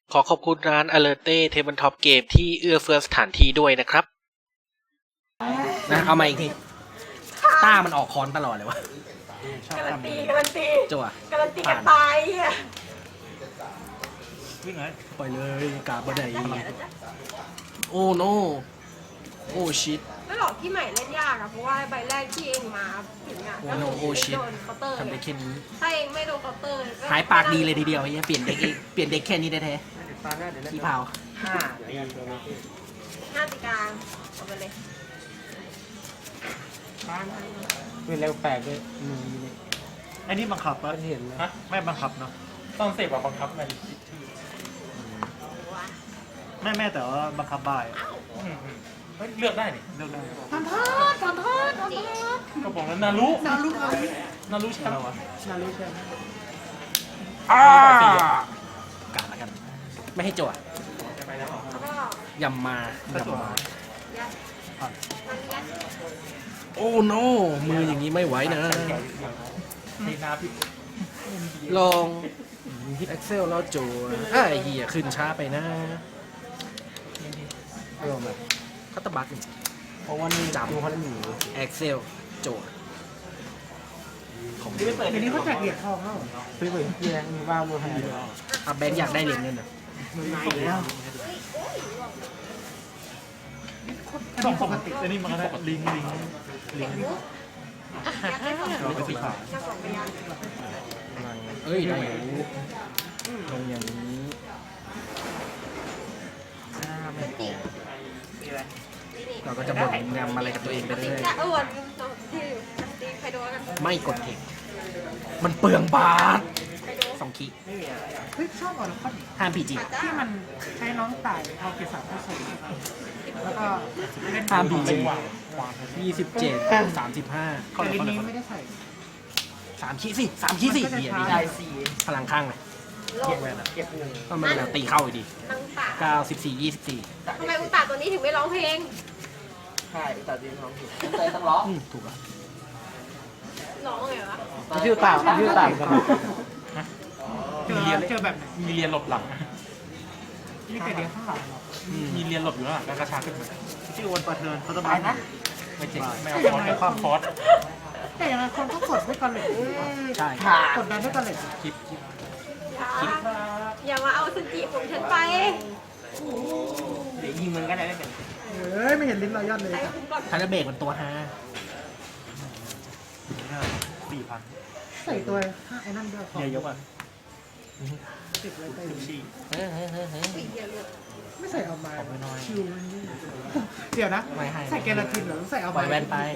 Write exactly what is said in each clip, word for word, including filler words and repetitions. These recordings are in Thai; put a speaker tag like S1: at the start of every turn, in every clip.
S1: ขอขอบคุณร้าน Alerte Tabletop Game ที่เอื้อเฟื้อสถานที่ด้วยนะครับนะเอามาอีกทีต้ามันออกคอนตลอดเลยวะชอบ
S2: การัน
S1: ทำ
S2: ตี
S1: นี้
S2: การันตี
S1: จั่ว
S2: การันตีกันตายอ่ะ
S3: วิ่งเลย
S1: ปล่อยเลยกาบได
S2: จะเห็นแล้วจ้ะ
S1: โอ้โนโอ้ชิต
S2: ไม่หรอกที่ใหม่เล่นยากอะเพราะว่าใบแรกที่เองมาถึงอะ
S1: โอ้
S2: ก็
S1: โน
S2: คือ
S1: โอ้ชิต
S2: โดนเคาน์เตอร์
S1: ทำได้แค่นี้
S2: ถ้าเองไม่โดนเคาน์เตอร์ก็
S1: หายปากดีเลยทีเดียวไอ้เหี้ยเปลี่ยนเด็กเองเปลี่ยนเด็กแค่นี้ได้แท้ขี้เผา
S3: ห้า
S2: ห้าตีกลางเอาไปเลย
S4: เป็นเร็วแปลกเลยหนึ่งมิลลิ
S3: ไอ้นี่บังคับปะ
S4: เห็นแล้ว
S3: ฮะไม่บังคับเนาะต้องเสพแบบบังคับไง
S2: ว้า
S3: แม่แม่แต่ว่าบังคับบ่ายเฮ้ยเลือกได้นี่เลือกได้
S2: ขอโทษขอโทษขอโทษ
S3: กระป๋องนั้นนารุนารุนารุแชมป์วะ
S4: นารู้ใช่ไหม
S1: อ่ากาดแล้วกัน ไม่ให้จั่ว
S2: แล้วก็
S1: ยำมายำมา
S2: ยัดมันยัด
S1: โอ้โนมืออย่างนี้ไม่ไหวนะ
S3: ทีนาพี่
S1: ลองฮิต Excel แล้วจั่วอ่ะไอ้เหี้ยขึ้นช้าไปนะเริ่มเลยคัตตบัต
S4: เพราะว่านี่
S1: จำ
S4: ดูเขาได้หนี
S1: Excel จั่วของ
S4: เดี๋ยวนี้เขาแจกเหรียญทองแล้วซื้อไปที่แรงมีบ้างมือหาย
S1: อ่ะแบงค์อยากได้เหรียญเงินอ่ะ
S4: มือหายแล้ว
S3: สองปกติไอ้นี่มันก็ได้ลิงลิงลิง
S2: ยัดได้สอง
S3: เราไปสีขาว
S2: ยัดสองไปยัด
S1: เอ้ยได้อยู่ลงอย่างนี้
S2: นี่
S1: เราก็จะบ่นงำอะไรกับตัวเองไป
S2: ตี
S1: เรื่อย
S2: จะอ้วนที่ตีใครโดนกัน
S1: ๆไม่กดเทคมันเปลืองบาท
S2: ใครโดน
S1: สองคี
S4: เฮ้ยชอบอ่อนข้อ
S1: ห้ามพีจี
S4: ที่มันใช้น้องต่ายเอาเกสรเข้าใส่แล้วก็เล่น
S1: ห้ามพีจี
S3: วางวาง
S1: ยี่สิบเจ็ดสามสิบห้า
S4: แต่ลิ้นนี้ไม่ได้ใส่
S1: สามคีสิสามคีสิ
S4: มันก็จะ
S1: เหี้ย
S4: ช้า
S1: นี่
S4: ได้สี่
S1: พลังข้างเลย
S2: โลก
S4: เก็บหนึ่ง
S1: ต้องมาแล้วตีเข้าอีกดี
S2: นังตา
S1: เก้าสิบสี่ยี่สิบสี่
S2: ทำไมอุตตาตัวนี้ถึงไม่ร้องเพลง
S4: ใช่แต่ดิ้นท้องผิดใจต้องร้อง
S1: อืมถูกแล้ว
S2: ร้องไงวะ
S4: ชื่อต่างชื่อต่างกัน
S3: มีเรียนเจอแบบมีเรียนหลบหลัง
S4: นี่แต่เดียวข้างหลัง
S3: มีเรียนหลบอยู่ข้างหลังแล้วกระชากขึ้นมาชื่อวันประเทินเขาจะ
S4: ตายนะ
S3: ไม่เจ๋งไม่เอาคอร์สไม่ความคอร์ส
S4: แต่อย่างไรคนก็กดด้วยกันเลย
S1: ใช่
S4: กดดันด้วยกันเลย
S1: คลิปคลิป
S2: อย่าอย่ามาเอาสจีของฉันไป
S4: เดี๋ยวยิงมันก็ได้ไม่เป็นเฮ้ยไม่เห็นลิ้นรอยยอดเลย
S2: ใส่คุณก่อน
S1: คาราเบกมันตัวฮา
S3: สี่พัน
S4: ใส่ตัวไอ้นั่นด้วย
S3: เยอะยกอ่ะ
S4: ติดไว้ใต้
S3: สิบสี่
S1: เฮ้ยเฮ้ยเฮ้ยเฮ้ย
S2: ปีเดียวเลย
S4: ไม่ใส่เอามา
S1: ของน้อย
S4: ชิวเดี๋ยวนะ
S1: ไม่ให้
S4: ใส่แกลาตินเหรอใส่เอา
S1: ปล่
S4: มา
S1: อยแว่นไป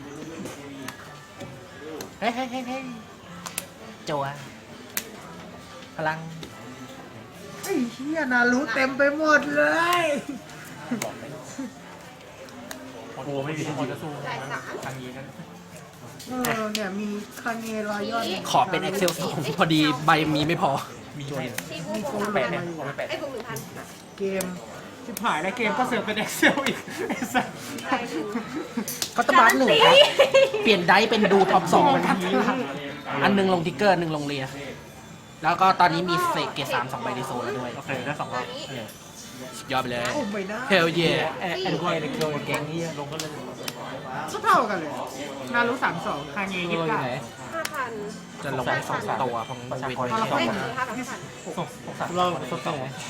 S1: เฮ้ยเฮ้ยเฮ้ยเฮ้ยจั่วพลัง
S4: ไอ้เหี้ยนารู้เต็มไปหมดเลย
S3: โอ้โหไม่มีที่จะสู้
S2: จ่ายสาม
S3: ทางนี้นั่น
S4: เออเนี่ยมีคาเนรอยยอด
S1: ขอเป็น Excel สองพอดีใบมีไม่พอ
S3: มีให้
S2: ที่ผู้
S4: มี
S2: ป
S4: โก
S2: ก
S4: ง
S2: คร
S4: แป
S2: อง
S4: ดเนี่ย
S2: ไอ้พวกหนึ่งพัน
S4: เกมชิบหายแล้วเกมก็เสิร์ฟเป็น Excel อีกไอ้สัส
S2: ใช่ดู
S1: เขาตบาร์หนึ่งครับ เปลี่ยนไดฟ์เป็นดูท็อปสองอันหนึงลงทิกเกอร์อันหนึ่งลงเรีย แล้วก็ตอนนี้มีเศษเกรดสามสองใบในโซนแล้วด้วย
S3: โอเคได้สองรอบ
S1: เนี่ยสุดยอดไปเลย
S4: โอ้ไม่ได้
S1: เฮลเย่
S4: แอนดรอยเด็กแก๊งนี้
S3: ลงก็เลย
S4: ก็เท่ากันเลย นารู้สามสองคาเน
S1: เอ
S4: ยี่
S1: อ
S4: สิบ
S1: อยู่
S4: เก้า
S1: ไหน
S2: ห้าพัน
S1: จะลงสองตัวของเวน
S2: ไม่ถึงห้าพันห้าพัน
S3: เราสด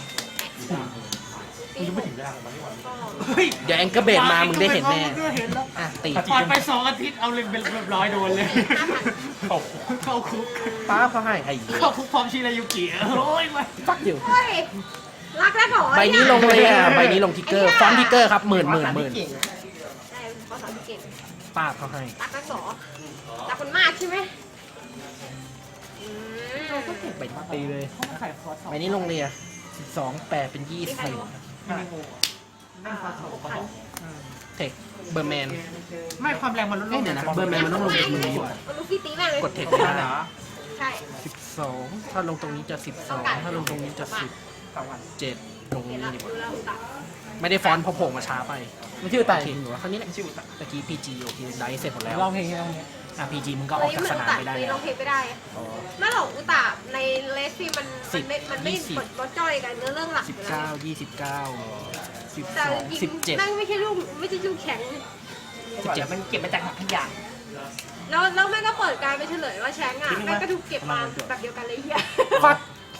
S2: ปี
S3: ยัง
S2: ห
S3: ไม่
S2: ก
S3: ถึงเวลามันไม่ไหว
S2: ก็
S4: เฮ้ย
S1: เดี๋ยวแองเกอร์เบดมา มึงได้เห็นแน่
S4: เห็นแล้ว
S1: อ่ะตี
S4: ผ่านไปสองอาทิตย์เอาเลยเป็นเรียบร้อยโดนเลย
S2: ห้าพัน
S3: ตก
S4: เข้าคุก
S1: ป้าเขาให้ไอ้
S4: เข้าคุกพร้อมชิรายุกิโอ้ยมา
S1: ฟักอยู่
S2: เฮ้ยรักแล้วเหรอ
S1: ใบนี้ลงเลยอ่ะ ใบนี้ลงทิกเกอร์ ฟอนต์ทิกเกอร์ครับหมื่นหมื่นหมื่น
S2: ใช่ขอสอนเก่ง
S1: ป้าเขาให้
S2: รักแล้วเหรอรักคนมากใช่ไหมอืม
S1: ใบนี้ตีเลย
S4: เขามาขายคอร์สสอง
S1: ใบนี้ลงเรียสิบสองแปดเป็นยี่
S2: มี
S1: สิบ
S2: ใครรู้
S4: มินิโมเล่นคอร์สสอง
S2: พัน
S1: เทคเบอร์แมน
S4: ไม่ความแรงมันลดล
S1: เอ้ย
S4: ง
S1: เดี๋ยวนะเบอร์แมนมันต้องลงจากมือดีกว่า
S2: มันลูกพี่ตีแม่งเลย
S1: กดเทคไม่ได้
S2: ใช่
S1: สิบสองถ้าลงตรงนี้จะสิบสองถ้าลงตรงนี้จะสิบเจ็ดลง
S2: เห็
S1: นี้
S2: นแล้ว
S1: ดีก
S2: ดู
S1: ว่า
S2: แล้วตัด
S1: ไม่ได้ฟอนต์เพอโผล่มาช้าไป
S4: มันชื่อไต่
S1: โอเคหนูว่าครั้งนี้แหละชื่อตะกี้พีจีโอเคได้เสร็จหมดแล้ว
S4: ร้องเพลงร้องเพลง
S1: อ่ะพีจีมึงก็ออกจากสนามไปได้
S2: เลย
S1: แล้
S2: ร้
S1: ว
S2: องเพลงไม่ได้
S1: อ๋อ
S2: ไม่หรอกอุตะในเลสซี่มัน
S1: สสิ
S2: มั
S1: บ
S2: นไม่มันไม่
S1: ยี่สิบ
S2: กดบอจ้อยกันเนื้อเรื่องหลัก
S1: สิบ
S2: อยู่
S1: เก้า
S2: แล้ว
S1: ยี่สิบเก้าสิบ
S2: แต่
S1: สอง
S2: จริง
S1: สิบเจ็ด
S2: แม่งไม่ใช่ลูกไม่ใช่ลูกแข็ง
S1: สิบเจ็ด
S4: มันเก็บมาจากขยะ
S2: แล้วแล้วแม่งก็เปิดการไปเฉลยว่าแชงอ่ะแม่งก็ถูกเก็บมาแบบเดียวกันเลยเฮีย
S1: ฟัก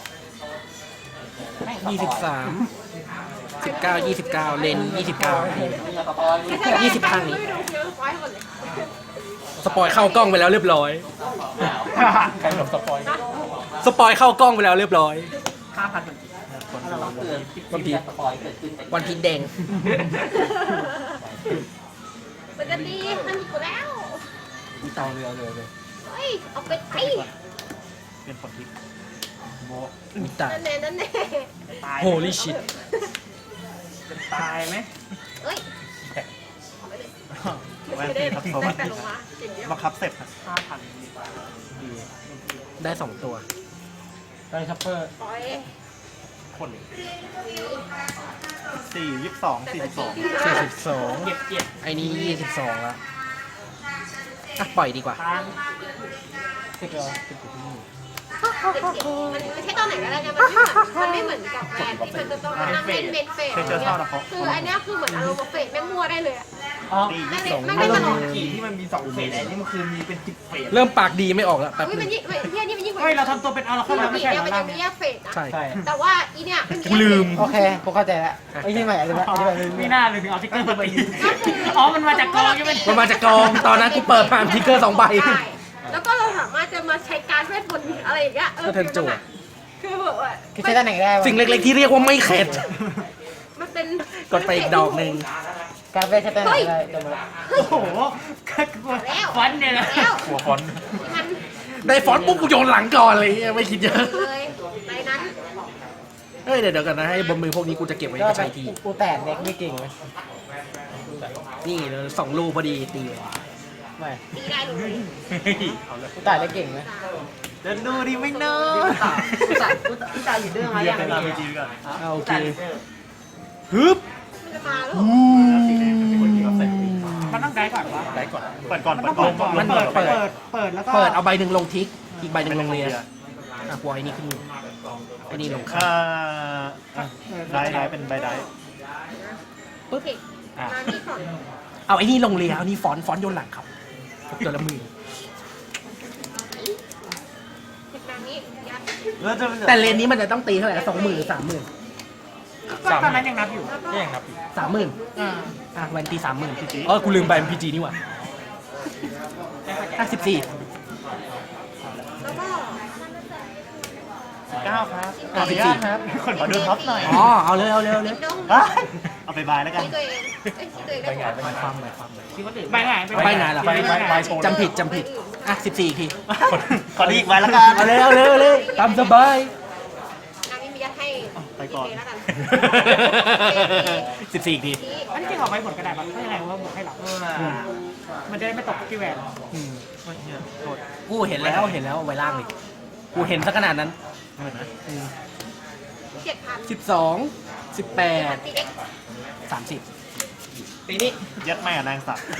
S1: ยี่สิบสามสิบเก้ายี่สิบเก้าเลนยี่สิบเก้า ยี่สิบครั้งนี้
S2: ไม่ดูเยอะไว้หมดเลย
S1: สปอยเข้ากล้องไปแล้วเรียบร้อย
S3: ใครหลบสปอย
S2: นะ
S1: สปอยเข้ากล้องไปแล้วเรียบร้อย
S4: ห้าพัน
S3: คนดู
S1: วันพีวันพีแดง
S2: ปกติมันมีกูแล้ว
S1: มีตองเรือเรือเลย
S2: เฮ้ยเอาไปไป
S3: เป็นผลทิพย์โม
S1: มีตา
S2: นั่นแน่นั่นแน่
S4: ตาย
S1: Holy shit
S4: ตายไหม
S2: เฮ้ยเอาไปเลย
S3: แวน
S2: ไม่
S3: ตี
S2: ได้
S3: ทับ
S2: ได้
S3: โซ่
S2: แต่ลงมาเก่งเดียว
S3: บังคับเสร็จครับ
S4: ห้าพัน
S1: ได้สองตัว
S3: ได้ชัปเปอร์
S2: ปล่อย
S3: คนสี่ยี่สิบสองสี่สิบสอง
S1: สี่สิบสอง
S4: เก็บเก็บ
S1: ไอ้นี่ยี่สิบสองละอ่ะปล่อยดีกว่า
S4: ทาง
S3: สิบเอ็ด
S2: เจ็บเจ็บมันมันใช้ตอนไหนก็ได้ไงมันไม่เหมือนมันไม่เหมือนกับแวนที่มันจะต้องมานั่งเล่นเมนเฟสอะไรเงี้ยคืออันเนี้ยคือเหมือนอารมณ์เฟสแม่งมั่วได้เลยอะ
S4: อ๋อ
S3: ตี
S2: แม่
S3: ยี่
S2: ง
S3: สิบสอง
S2: แม่งได้ตลอด
S4: ขี่ที่มันมีสองเฟสไอ้นี่มันคือมีเป็นสิบเฟส
S1: เริ่มปากดีไม่ออกแล้วแป๊บ
S2: อุ้ย
S1: นึ
S2: มัน
S1: ง
S2: ยิ่งเฮียนี่มันยิ่งกว่า
S4: เฮ้ยเราทำตัวเป็นอารา
S2: คื
S4: คา
S2: อ
S4: แล้ว
S2: ปก
S4: ไม่
S2: ติ
S4: ใช่เหร
S2: เนี่ย
S4: อ
S2: มัน
S4: ล่า
S2: จะ
S4: ง
S2: มีแยกเฟสนะ
S1: ใช่
S3: ใช่
S2: แต่ว่าอีเนี่ยมัน
S1: กูลืม
S5: โอเคกูเข้าใจแล้วไอ้ที่ใหม่อธิบายอธิบาย
S4: ไม่น่าเลยถึงเอาติ๊กเกอร์มาตีอ๋อมันมาจากกองใช่ไหม
S1: มันมาจากกอง ตอนนั้นกูเปิดผ่านทิกเกอร์สองใบ
S2: ใช่แล้วก็เราสามารถจะมาใช้การเวทมนต์อะไรอย่างเงี้ยเออ
S1: ก็เทิร์นจั่ว
S2: คือแบบว่า
S5: คือใช้ด้านไหนก็ได้วะ
S1: สิ่งเล็กๆที่เรียกว่าไม่เข็ด
S2: มันเป็น
S1: กดไปอีกดอกหนึ่ง
S5: การเวทใช้ด้านไหนก็ได้จำไว้
S4: โอ้โหฟันเนี่ยนะ
S2: แล้ว
S3: หัวฟอน
S2: มัน
S1: ได้ฟอนต์ปุ๊บกูโยนหลังก่อนเลยไม่คิดเยอะ
S2: เลยในนั้น
S1: เฮ้ยเดี๋ยวเดี๋ยวกันนะให้บนมือพวกนี้กูจะเก็บไว้
S5: ก็
S1: ใช้ที
S5: กูแตกเด็กไม่เก่งเลย
S1: นี่เดี๋ยวสองลูกพอดีตีเลย
S5: ไม่
S2: ตีได้เลย
S5: กูแตกได้เก่งไหม
S3: เดินดูดิไม่เนอะ
S5: กูตายกูตายอยู่เรื่องอะไร
S3: เรีย
S5: อก ย่าง
S3: ไป
S5: นี้
S3: ตามไปจีก่อน
S1: เอาโอเคฮึบ
S2: มันจะมาแล้ว
S1: อู้
S3: สีแดงเป็นคนที่เขาใส่
S4: มันต้องได้ก่อนวะ
S3: ได้ก่อนเปิดก่อนเปิดก่อน
S1: มันเปิดเปิด
S4: เปิดเปิดแล้วก็
S1: เปิดเอาใบหนึ่งลงทิก อีกใบหนึ่งลงเรียอ่ะปล่อยนี่ขึ้นมือไอ้นี่ลงข้า
S3: อ่าได้ได้เป็นใบได้
S2: โอเคมานี่ก่อน
S1: เอาไอ้นี่ลงเรียเอานี่ฟอนต์ฟอนต์โยนหลังครับตัวละมือ
S2: เด็กนางนี้ยัด
S3: แล้วจะ
S1: แต่เลนนี้มันจะต้องตีเท่าไหร่สองหมื่นหรือสามหมื่น
S4: ก็ตอนนั้นยังนับอยู่
S2: แล้วก็
S3: แย่งครับ
S1: สามหมื่น
S4: อ่า
S1: อ่ะวันตีสามหมื่นเออกูลืมใบพีจีนี่หว่าอ่ะสิบสี่
S2: แล้วก็
S3: เก้าครับ
S1: อ่ะสิบสี่
S3: ครับคนขอดูท็อปหน่อย
S1: อ๋อเอาเลยเอาเลยเอาเลย
S2: ดิ้งดง
S3: อ่ะเอาไปบายแล้วกัน
S2: ที่ตัวเองเอ้ยที่ตัวเองได้หมด
S1: หมายความหมายความ
S4: คิดว่าตื่นใบไหน
S1: ใบไหนล่ะ
S3: ใบใบใบโชว์
S1: จำผิดจำผิดอ่ะสิบสี่อีกที
S3: ขอดีอีกใบแล้วกัน
S1: เอาเลยเอาเลยเอาเลยตามสบาย
S2: นางนี้มียัดให้
S3: ไปก่อน
S2: แล้วกัน
S1: สิบสี่อีกที
S2: นี่
S4: อันนี้จริงเอาไว้ผลกระดาษมันถ้ายังไงว่าบวกให้หลับมันจะได้ไม่ตกที่แหวน
S1: อืม
S3: โอ้ยเหี้ยโทษ
S1: กูเห็นแล้วเห็นแล้วไว้ล่างเลยกูเห็นซะขนาดนั้น
S3: เห็นไหม
S2: เจ็ดพัน
S1: สิบสองสิบแปด
S2: ตีเด็ก
S1: สามสิบ
S5: ปีนี้
S3: ยัดแม่กับนางสัตว์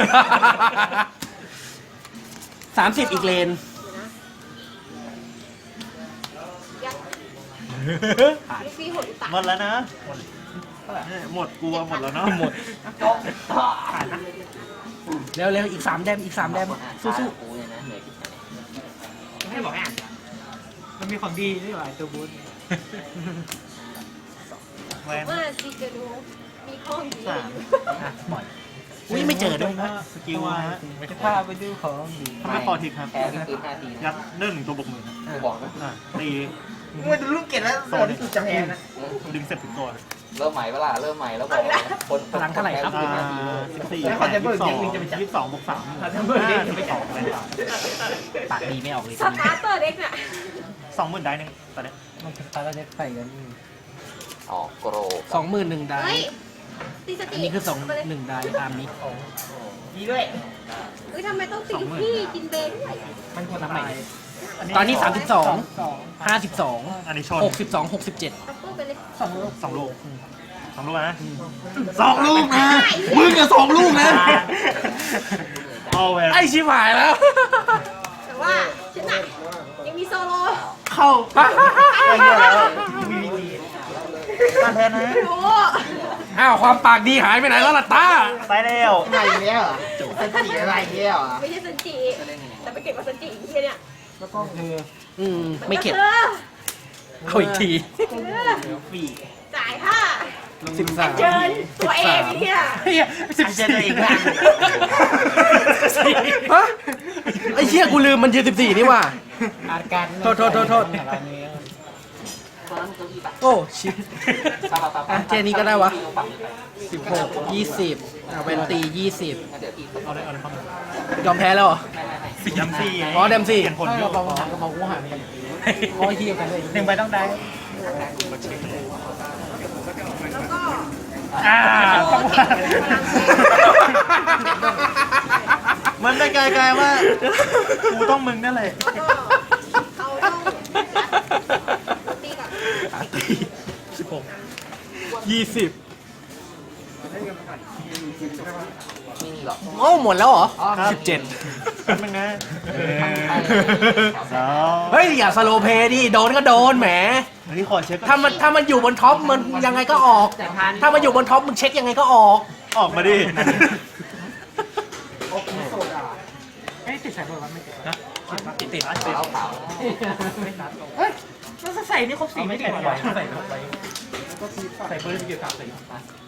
S1: สามสิบอีกเลน
S2: ยัดลูกพี่หดตัก
S3: หมดแล้วนะเนี่ยหมดกลัวหมดแล้วเนาะ
S1: หมด
S4: ผ่านนะ
S1: เร็วเร็วอีกสามแดมอีกสามแดมสู้
S4: ให้บอกให้อ่านมันมีของดีนี่หว่าตัวบูธ
S3: แวน
S2: เมื่อซีเจดูมีข้องดี
S3: สาม
S1: ๆอ่ะปล่อยอุ้ยไม่เจอด้วยนะ
S3: สกิลนะฮะ
S5: จะพาไปดูของดี
S3: ถ้าไม่พอทิกครับ
S5: แพ้ที่ปืนห้าที
S3: ยัดเนื่องหนึ่งตัวบวกหมื่น
S5: กูบอกนะ
S3: อ่ะตี
S5: มึงดูลูกเกดแล้วโซนที่จะแพ้นะ
S3: ดึงเสร็จถึงตัว
S6: เริ่มใหม่เวลาเริ่มใหม่แล้วบอกคน
S1: พลังเท่าไหร่ครับ
S3: อ่าสิบสี่แปดยี่สิบสองยี่สิบสองบวกสามห้าสิบสองเลย
S1: ปากดีไม่ออกเลย
S2: สตาร์เตอร์เด็กเนี่ย
S3: สองหมื่นได้หนึ่งตอนนี้
S5: มันจะตายแล้วจะใส่กัน
S6: ออกโกร
S1: สองหมื่นหนึ่งได้
S2: เฮ้ยตีสติ
S1: อันนี้คือสองหนึ่งได้ตามนี้
S5: ดีด้วย
S2: เฮ้ยทำไมต้องตีลูกพี่กินเบย์ด้วย
S5: มันควร
S1: นับใหม่
S5: ตาย
S1: ตอนนี้สามสิบสอง
S5: สอง
S1: ห้าสิบสอง
S3: อันนี้ชน
S1: หกสิบสองหกสิบเจ็ด
S2: ตับเปิ้ลไปเลย
S5: สองลูก
S3: สองลูกสองลูกนะสองลูกนะ
S1: มึงกับสองลูกนะ
S3: เอาเวล
S1: ไอชิบหายแล้ว
S2: แต่ว่าฉันน่ะยังมีโซโล่
S1: ข
S4: เข้า
S3: ไอ้เหี้ยแล้วมีวิธีการแทนนะ
S2: ไม่รู้
S1: อ้าวความปากดีหายไปไหนแล้วล่ะต้า
S3: ไปแล้ว
S5: อะไรเงี้ยเหรอสันติอะไรเงี้ยเหรอ
S2: ไม่ใช่ซันจิแต่ไปเก็บกับซันจิอีกทีเนี่ย
S4: แล้วก็คือ
S1: อืมไม่เก็บ
S2: ออ
S1: เอาอีกที
S3: ปี
S2: จ่ายค่ะ
S1: สิบสาม
S2: เจินตัวเองเนี่ย
S1: เฮียสิบ
S3: เจ
S1: สี่
S3: อตัวเองบ้าง
S1: ฮะไอ้เชี่ยกูลืมมันยืนสิบสี่นี่หว่า
S5: อาการ
S1: โทษโทษโทษโทษ โอ้ชิบอ่ะเจนี้ก็ได้วะสิบหกยี่สิบเอาเป็นตียี่สิบ
S3: เอาเลยเอาเลยเข้ามาย
S1: อมแพ้แล้วเหรอ
S3: สี่ดำสี่
S1: อ๋อเดมสี่
S3: เปลี่ยนผล
S4: ถ้า
S3: โย
S4: เรา
S3: ก
S4: เบาหางกระเป๋ากูหายไปกันร้อยเฮียกันเลย
S3: หนึ่งใบต้องได้
S2: แล้วก็
S3: อ่า
S2: โอ้เก็บเป็นพลังแรง
S3: มันได้กลายๆว่ากูต้องมึงนั่นแหละ
S2: ก็เขาต้องตีกับ
S1: ตีสิบหกยี่สิบ
S6: ไม่มีหรอก
S1: โอ้หมดแล้วเหรอสิบเจ็ด
S3: มึงนะสาว
S1: เฮ้ย อย่าสโลว์เพลย์ดิ โดนก็โดนแหม
S3: อันนี้ขอเช็ค
S1: ถ้ามันถ้ามันอยู่บนท็อปมันยังไงก็ออก ถ้ามันอยู่บนท็อปมึงเช็คยังไงก็ออก
S3: ออกมาดิ
S4: โอ้โหโซดาเอ้ยติดสายเบอร์วันไม่ติด
S3: นะ
S1: ติดติด
S6: ขาวขาว
S4: เฮ้ยมันจะใส่นี่ครบสี่
S3: ไม่
S4: ไม่
S3: ใส่
S4: ติด
S3: ไว้
S4: วะ
S3: ใส่ไว้ใส่เบอร์ที่เกี่ยวกับใส่